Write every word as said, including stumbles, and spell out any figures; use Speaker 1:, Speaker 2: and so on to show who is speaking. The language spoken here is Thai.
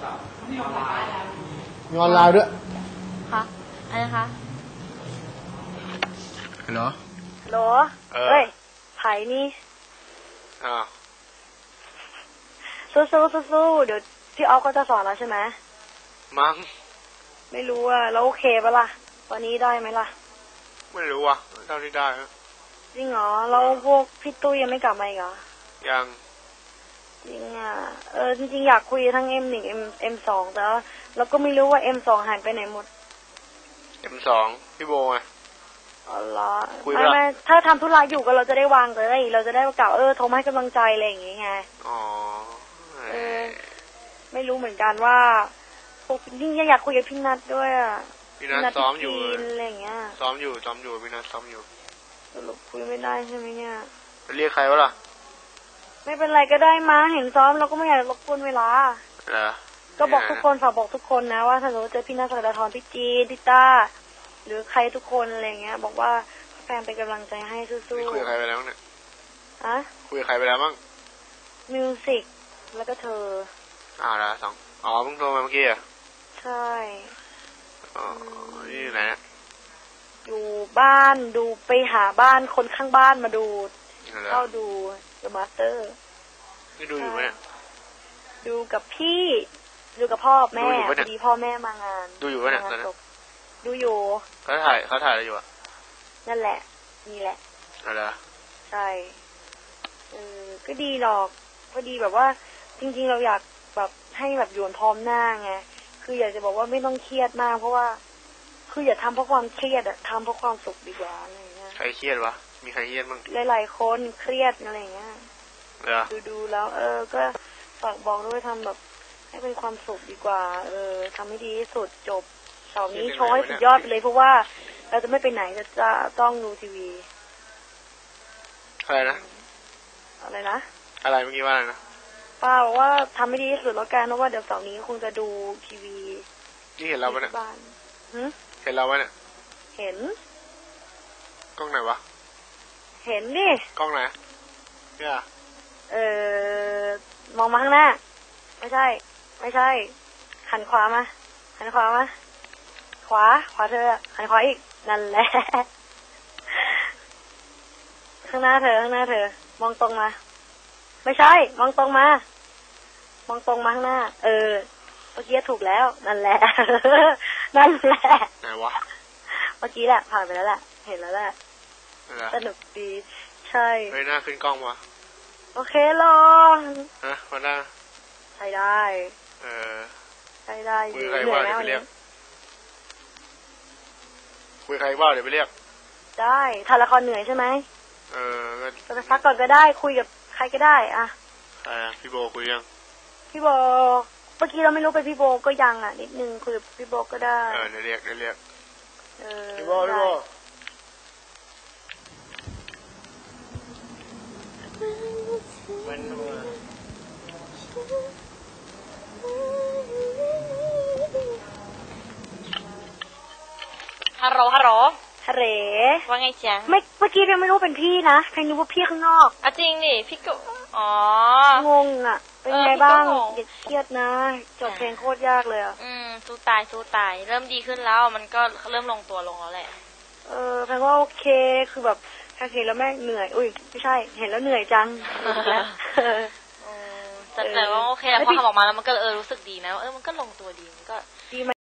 Speaker 1: มีออนไลน์
Speaker 2: มีออนไลน์ด้วย
Speaker 3: ค่ะอะไรคะ
Speaker 2: เหรอ
Speaker 3: โหลเฮ้ยไผ่นี่
Speaker 4: อ่า
Speaker 3: สู้สู้สู้สู้เดี๋ยวพี่ออฟก็จะสอนแล้วใช่ไหม
Speaker 4: มั้ง
Speaker 3: ไม่รู้อ่ะแล้วโอเคปะล่ะวันนี้ได้ไหมล่ะ
Speaker 4: ไม่รู้อ่ะเท่าที่ได้
Speaker 3: จริงเหรอแล้วพวกพี่ตุ้ยยังไม่กลับมาอีกเหรอ
Speaker 4: ยัง
Speaker 3: จริงอ่ะเออจริงๆอยากคุยทั้ง เอ็ม หนึ่ง M เอ็ม สองแต่เราก็ไม่รู้ว่า เอ็ม สอง หายไปไหนหมด
Speaker 4: เอ็ม สองพี่โบไง
Speaker 3: อ๋อเหรอไม่ไม่ถ้าทำธุระอยู่ก็เราจะได้วางเลยเราจะได้กล่าวเออโทรมาให้กำลังใจอะไรอย่างเงี้ยไง
Speaker 4: อ๋อ
Speaker 3: เออไม่รู้เหมือนกันว่าพวกยิ่งอยากคุยกับพี่นัทด้วยอ่ะ
Speaker 4: พี่นัทซ้อมอยู่
Speaker 3: อะไรอย่างเงี้ย
Speaker 4: ซ้อมอยู่ซ้อมอยู่พี่นัทซ้อมอยู่
Speaker 3: สรุปคุยไม่ได้ใช่ไหมเนี่ย
Speaker 4: ไปเรียกใครวะล่ะ
Speaker 3: ไม่เป็นไรก็ได้มาเห็นซ้อมเราก็ไม่อยากรบกวนเวลา
Speaker 4: เหรอ
Speaker 3: ก็บอกทุกคนฝากบอกทุกคนนะว่าถ้าสมมติเจอพี่นัทสักดาธรพี่จีนพี่ต้าหรือใครทุกคนอะไรเงี้ยบอกว่าแฟนเป็นกำลังใจให้สู้ๆ
Speaker 4: คุยกับใครไปแล้วเนี่ย
Speaker 3: อะ
Speaker 4: คุยกับใครไปแล้วมั้ง
Speaker 3: มิวสิกแล้วก็เธอ
Speaker 4: อ่าแล้วสองอ๋อเพิ่งโทรมาเมื่อกี้อ่ะ
Speaker 3: ใช่
Speaker 4: อ๋อนี่ไหนเนี่ย
Speaker 3: อยู่บ้านดูไปหาบ้านคนข้างบ้านมาดูเข้าดูเดอะมาสเตอร์
Speaker 4: นี่ดูอยู่ไหมเนี่ย
Speaker 3: ดูกับพี่ดูกับพ่อแม่พอดีพ่อแม่มางาน
Speaker 4: ดูอยู่ไหมเนี่ย
Speaker 3: ดูอยู่
Speaker 4: เขาถ่ายเขาถ่ายอะไรอยู่อ่ะ
Speaker 3: นั่นแหละนี่แหละ
Speaker 4: อะไร
Speaker 3: ใช่เออก็ดีหรอกพอดีแบบว่าจริงๆเราอยากแบบให้แบบอยู่พร้อมหน้าไงคืออยากจะบอกว่าไม่ต้องเครียดมากเพราะว่าคืออย่าทำเพราะความเครียดอะทำเพราะความสุขดีกว่าอะไรเงี้ย
Speaker 4: ใครเครียดวะมีใครเครียดบ้าง
Speaker 3: หลายๆคนเครียดอะไรเงี้ยดูดูแล้วเออก็ฝากบอกด้วยทำแบบให้เป็นความสุขดีกว่าเออทำให้ดีที่สุดจบเสาร์นี้โชว์ให้สุดยอดไปเลยเพราะว่าเราจะไม่ไปไหนจะจะต้องดูทีวี
Speaker 4: อะไรนะ
Speaker 3: อะไรนะ
Speaker 4: อะไรเมื่อกี้ว่าอะไรนะ
Speaker 3: ป้าบอกว่าทำให้ดีที่สุดแล้วกันเพราะว่าเดี๋ยวเสาร์นี้คงจะดูทีวี
Speaker 4: นี่เห็นเราไหมเนี่ย
Speaker 3: บ้าน
Speaker 4: เห็นเราไหมเนี่ย
Speaker 3: เห็น
Speaker 4: กล้องไหนวะ
Speaker 3: เห็นดิ
Speaker 4: กล้องไหนเนี่ย
Speaker 3: เออมองมาข้างหน้าไม่ใช่ไม่ใช่หันขวามาหันขวามาขวาขวาเธอหันขวาอีกนั่นแหละข้างหน้าเธอข้างหน้าเธอมองตรงมาไม่ใช่มองตรงมามองตรงมาข้างหน้าเออเมื่อกี้ถูกแล้วนั่นแหละนั่นแหละ
Speaker 4: ไหนวะ
Speaker 3: เมื่อกี้แหละผ่านไปแล้วแหละเห็นแล้วแหละสนุกดีใช่
Speaker 4: เฮ้ยหน้าขึ้นกล้องวะ
Speaker 3: โอเครอ
Speaker 4: ฮะมาได้
Speaker 3: ใช่ได้
Speaker 4: เออ
Speaker 3: ใช่ได้
Speaker 4: คุยใครว่าเดี๋ยวไปเรียกคุยใครว่าเดี๋ยวไปเรียก
Speaker 3: ได้ถ่ายละครเหนื่อยใช่ไหม
Speaker 4: เออ
Speaker 3: ก็จะพักก่อนก็ได้คุยกับใครก็ได้อะ
Speaker 4: ใครพี่โบคุยยัง
Speaker 3: พี่โบเมื่อกี้เราไม่รู้ไปพี่โบก็ยังอ่ะนิดนึงคุยกับพี่โบก็ได้
Speaker 4: เออเดี๋ยวเรียกเดี๋ยวเรียก
Speaker 3: เออ
Speaker 4: พี่โบพี่โบมัน
Speaker 3: ฮัลโหลฮัลโหลฮัลโหล
Speaker 5: ว่าไงจ๊ะ
Speaker 3: ไม่เมื่อกี้ยังไม่รู้เป็นพี่นะใครนึกว่าพี่ข้างนอก
Speaker 5: อ่ะจริงดิพี่ก็อ๋อ
Speaker 3: งงอ่ะเป็นไงบ้างอย่าเครียดนะจบเพลงโคตรยากเลยอ่ะ
Speaker 5: อืมสู้ตายสู้ตายเริ่มดีขึ้นแล้วมันก็เริ่มลงตัวลงแล้วแหละ
Speaker 3: เออแปลว่าโอเคคือแบบแค่เห็นแล้วแม่เหนื่อยอุ้ยไม่ใช่เห็นแล้วเหนื่อยจัง
Speaker 5: แต่แต่ว่าโอเคแล้วพอทำออกมาแล้วมันก็เออรู้สึกดีนะเออมันก็ลงตัวดีมันก็
Speaker 3: ดี